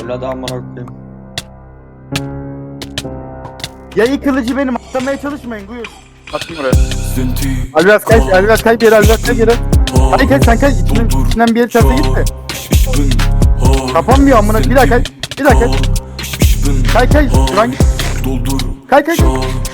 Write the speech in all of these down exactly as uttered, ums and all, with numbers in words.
Evladı amına koyayım. Yayı kılıcı benim, atlamaya çalışmayın, buyur. Attım buraya. Alvaz kaç, Alvaz kaç geri, Alvaz kaç geri. Hadi kaç, sen kaç, içinden, içinden bir yer terse git de. Kapanmıyor amına, bir daha kaç, bir daha kaç. Kaç kaç, şuran git. Kaç kaç.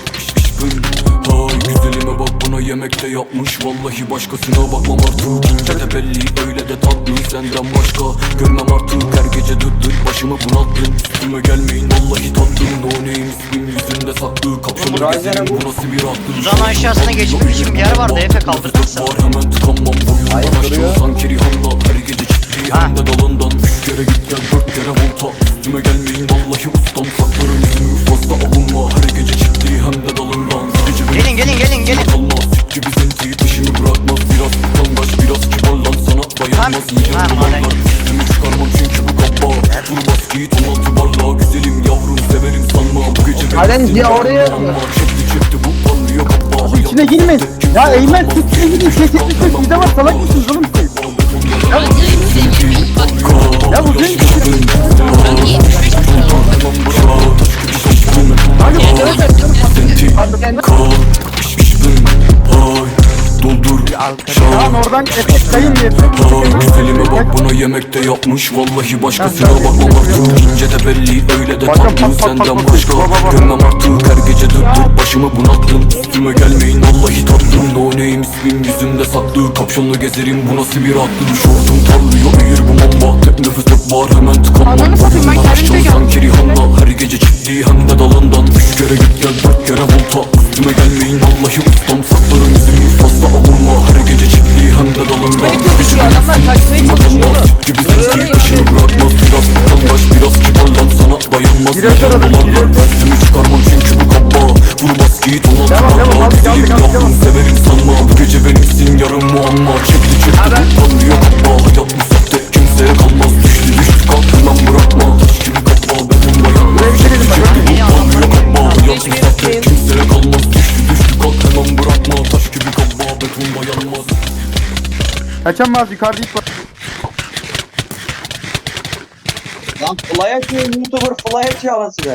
Güzelime bak bana yemekte yapmış. Vallahi başkasına bakmam artık. İnce de belli öyle de tatlı. Senden başka görmem artık. Her gece dıt dıt başımı bunalttın. Üstüme gelmeyin vallahi tatlım. No name ismim yüzünde saklı. Kapşonu gezerim bu nasıl bir aklı. Uzan aşağısına geçmek için bir yer vardı, Efe kaldırırsa. Var hemen tıkanmam boyundan aşağı. Sanki Rihanna her gece çiftliği hem de dalından. Üç kere git gel dört kere volta. Üstüme gelmeyin vallahi ustam. Saklarım yüzümü fazla alınma. Her gece çiftliği hem de dalından. Gelin gelin gelin gelin. Kalmaz gibi zenci dişimi bırakmaz. Biraz utangaç biraz kibar lan sana dayanmaz. Yiyeceğim dumanlar üstümü çıkarmam çünkü bu kaba. Vur bas git on altı barla. Güzelim yavrum severim sanma. Bu gece Halen ya oraya. Çekti çekti bu parlıyor kaba. Abi içine girmeyin. Ya Eymen siz içine girin, şey çekmişsiniz, sizde var, salak mısınız oğlum siz? Ya bu genç Tamam oradan efekt kayın diye. Güzelime bak bana yemekte yapmış. Vallahi başkasına bakmam artık. İnce de belli öyle de tatlı. Senden başka görmem artık. Her gece dıt dıt başımı bunalttın. Üstüme gelmeyin vallahi tatlım. No name ismim yüzümde saklı. Kapşonlu gezerim bu nasıl bir aklı. Şortum parlıyor eğir bu mamba. Tek nefes tek var hemen tıkanmam. Boyundan sanki Rihanna her gece çiftliği hem de dalından. Üç kere git gel dört kere volta. Üstüme gelmeyin vallahi ustam. Saklarım yüzümü fazla alınma. Her gece çiftliği hem de dalından. Şu adamlar kaçmaya çalışıyor. Gibi sensin işini bırakmaz. Biraz utangaç biraz kibar lan sana dayanmaz. Yiyeceğim dolarlar üstümü çıkarmam çünkü bu kaba. Vur bas git on altı barla. Güzelim yavrum severim sanma. Bu gece benimsin yarın muamma. Çekti çekti bu parlıyor kaba. Hayat bu sahte kimseye kalmaz. Düştü düştü kalk hemen bırakma. Taş gibi kaba benim dayanmaz. Çekti çekti bu parlıyor kaba. Hayat bu sahte kimseye kalmaz. Düştü düştü kalk hemen bırakma. Taş gibi kaba beton dayanmaz. Kaçamaz, yukarıda ip var. Lan fly atıyor YouTuber, fly atıyor anasını.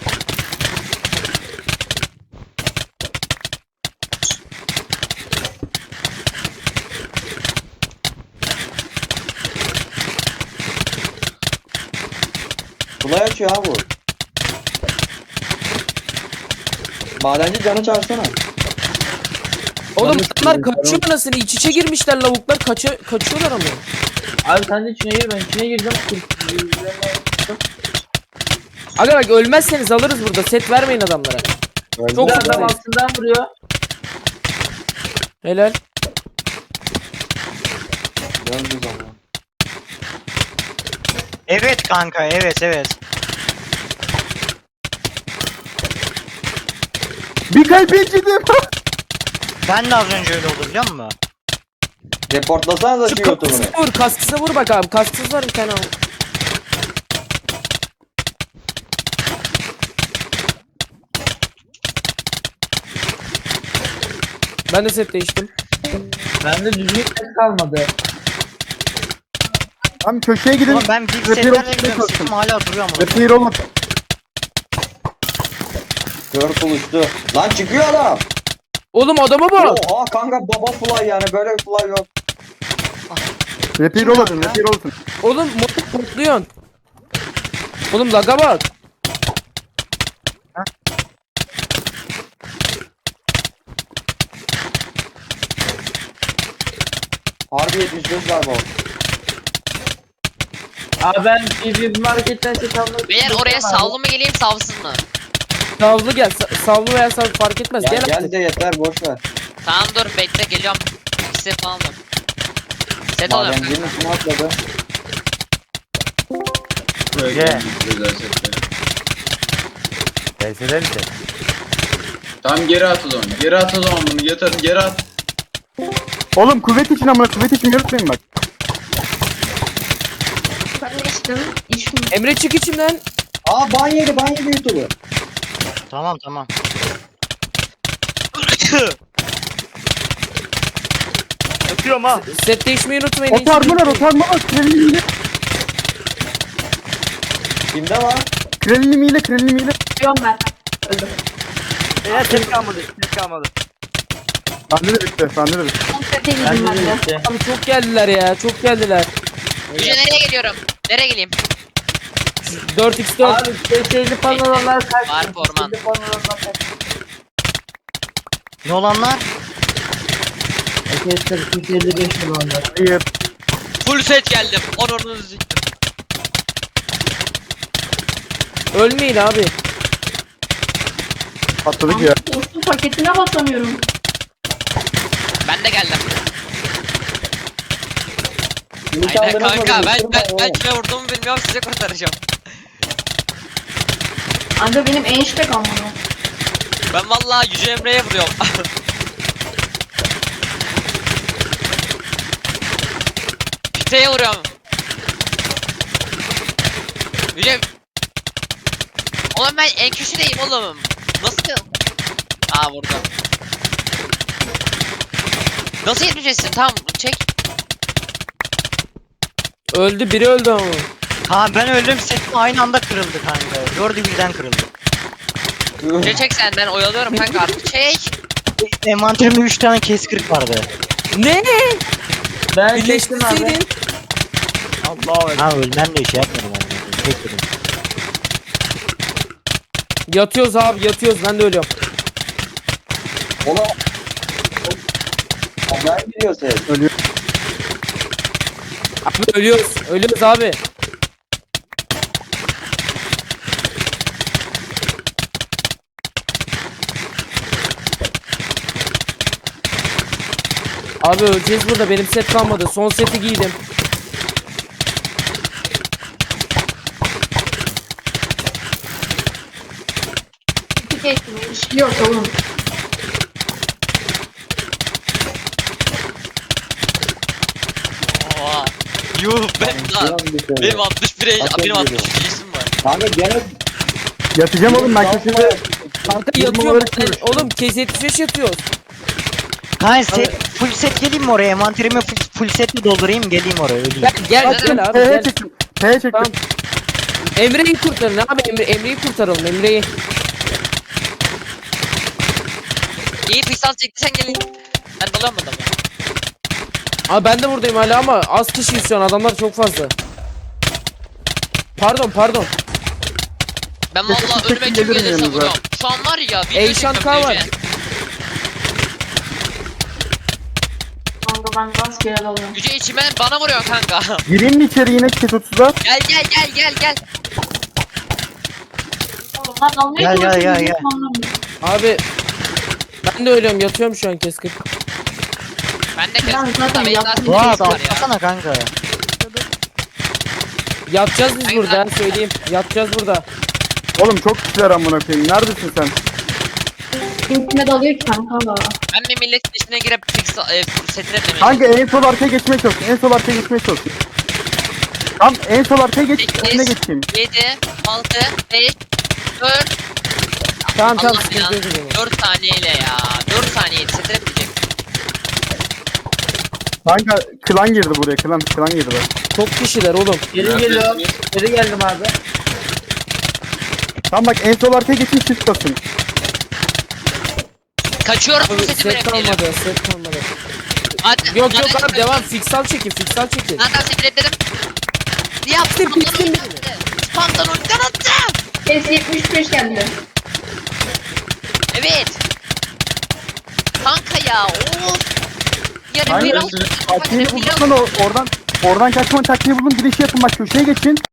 Fly atıyor abi bu. Madenci canı çağırsana. Oğlum bunlar kaçıyor anasını, iç içe girmişler lavuklar, kaça kaçıyorlar ama. Abi sen de içine gir, ben içine gireceğim. Aga bak ölmezseniz alırız burada, set vermeyin adamlara. Çok Bir güzel. adam altından vuruyor. Helal. Döndü zaman. Evet kanka, evet evet. Bir kalp incittim. Ben de az önce öyle oldu biliyor musun? Reportlasanıza Şu şu YouTuber'ı. kasksıza vur, kasksıza vur bak abi, kasksız var bir tane al. Ben de set değiştim. Bende düzgün ses kalmadı. Tam köşeye gidin. Oğlum ben big Repair setlerle olsun, gidiyorum, olsun. setim hala duruyor ama. Repair olmadı. Kör buluştu. Lan çıkıyor adam. Oğlum adama bak. Oha kanka baba fly yani böyle bir fly yok. Repair Kim olmasın, yaptı? repair olsun. Oğlum motor topluyorsun. Oğlum laga bak. Harbi yetmiş beş var bu. Abi ben bir marketten ses almak Beyler oraya savlı mı geleyim savsız mı? Savlı gel, sa- savlı veya savlı fark etmez. Ya Gel, gel artık. de yeter boş ver. Tamam dur bekle geliyorum. İki set falan var. Set alıyorum kanka. Madencinin üstüne atladı. Ye. Tamam geri at o zaman. Geri at o zaman bunu. Yeter geri at. Oğlum kuvvet için amına, kuvvet için yürütmeyin bak. Emre çık içimden. Aa ban yedi ban yedi YouTuber. Tamam tamam. Öpüyorum ha. Set değişmeyi unutmayın. Otarmalar, otarmalar. Kimde var? Kralini miyle kralini miyle. Biliyorum ben. Öldüm. Eğer ses kalmadı. Ses kalmadı. Bende de bitti. Bende de bitti. Son sete girdim Bende ben de de. bitti. Abi çok geldiler ya çok geldiler. Yüce nereye geliyorum? Nereye geleyim? dört x dört. Abi şeyli panoramlar kaç? Var orman. Şeyli panoramlar kaç? Ne olanlar? Arkadaşlar iki yüz elli beş olanlar. Hayır. Full set geldim. Onurunuzu siktim. Ölmeyin abi. Atladık ya. Dostum paketine basamıyorum. Ben de geldim. Ümit Aynen aldırma kanka beni, ben ısırma ben, ben oğlum. kime vurduğumu bilmiyorum size kurtaracağım. Anca benim enişte kalmadı. Ben vallahi Yüce Emre'ye vuruyorum. Piteye vuruyorum. Yüce... Oğlum ben en köşedeyim oğlum. Nasıl? Aa vurdum. Nasıl yetmeyeceksin? Tamam çek. Öldü biri öldü ama. Ha ben öldüm setim aynı anda kırıldı kanka. Dördü birden kırıldı. Yüce çek sen ben oyalıyorum kanka artık çek. Envanterimde üç tane kes kırık vardı. Ne? Ben çektim abi. Birleştirseydin. Allah ha ölmem de şey yapmadım abi. Tek dedim. Yatıyoruz abi yatıyoruz ben de ölüyorum. Ona... Ben biliyor ses. Abi ölüyoruz. Ölüyoruz abi. Abi öleceğiz burada. Benim set kalmadı. Son seti giydim. İki geçtim. İşliyor oğlum. Oha. Yuh ben daha. Biraz bir şey. Benim altmış bir benim Aferin altmış diyorum. üç yaşım var. Kanka gene... Yatacağım oğlum ben köşede. Kanka Yirmi yatıyorum. olarak Ben- görüşüyorum. Oğlum kez yetmiş beş yatıyoruz. Kanka set, full set geleyim mi oraya? Envanterimi full, full setle doldurayım geleyim oraya öleyim. Gel gel Zaten gel abi T'ye gel. çektim. T'ye çektim. Tamam. Emre'yi kurtarın abi Emre Emre'yi kurtaralım Emre'yi. İyi piksel çektiysen gelin. Ben dalıyorum adamı. Abi ben de buradayım hala ama az kişiyiz şu an adamlar çok fazla. Pardon pardon. Ben Kesin vallahi tek önüme kim gelirim gelirse yanınıza. vuruyorum. Şu an var ya video Eyşan çekiyorum K var. Yüce. Kanka ben rastgele dalıyorum. Yüce içime bana vuruyor kanka. Gireyim mi içeri yine ket otuzda? Gel gel gel gel gel. Oğlum lan dalmaya Gel, gel, çalışıyorum, gel, gel. hiç anlamıyorum. Abi ben de ölüyorum yatıyorum şu an keskin. Ben de Ben kesin. zaten Benim yaptım. zaten Doğa bir var ya. atlasana kanka. Yatacağız biz Aynen. burada ha, söyleyeyim. Yatacağız burada. Oğlum çok kişiler amına koyayım. Neredesin sen? Kimkine dalıyor ki kanka da. Ben bir milletin içine girip piksel e, setine demeye Kanka en sol arkaya geçmeye çalış. En sol arkaya geçmeye çalış. Tam en sol arkaya geç. Önüne geçeyim. yedi, altı, beş, dört. Tamam tamam Allah sıkıntı yok o zaman. dört saniyeyle ya. dört saniyeydi setine bitecek. Kanka klan girdi buraya. Klan klan girdi. Çok kişiler oğlum. Geri geliyorum. Geri geldim abi. Tam bak en sol arkaya geçin çift basın. Kaçıyorum bu Abi seti set bırakmayalım. kalmadı set kalmadı. Hadi. Yok yok hadi. abi devam fiksal çekin fiksal çekin. Zaten seti reddledim. Yaptım. Bitti, bitti. Spamdan ulti attı. Kes yetmiş beş geldi. Evet. Kanka ya. Of. Yarın Aynen. bir altı. Taktiği buldun o- oradan. Oradan kaçma taktiği buldum. Girişi yapın bak köşeye geçin.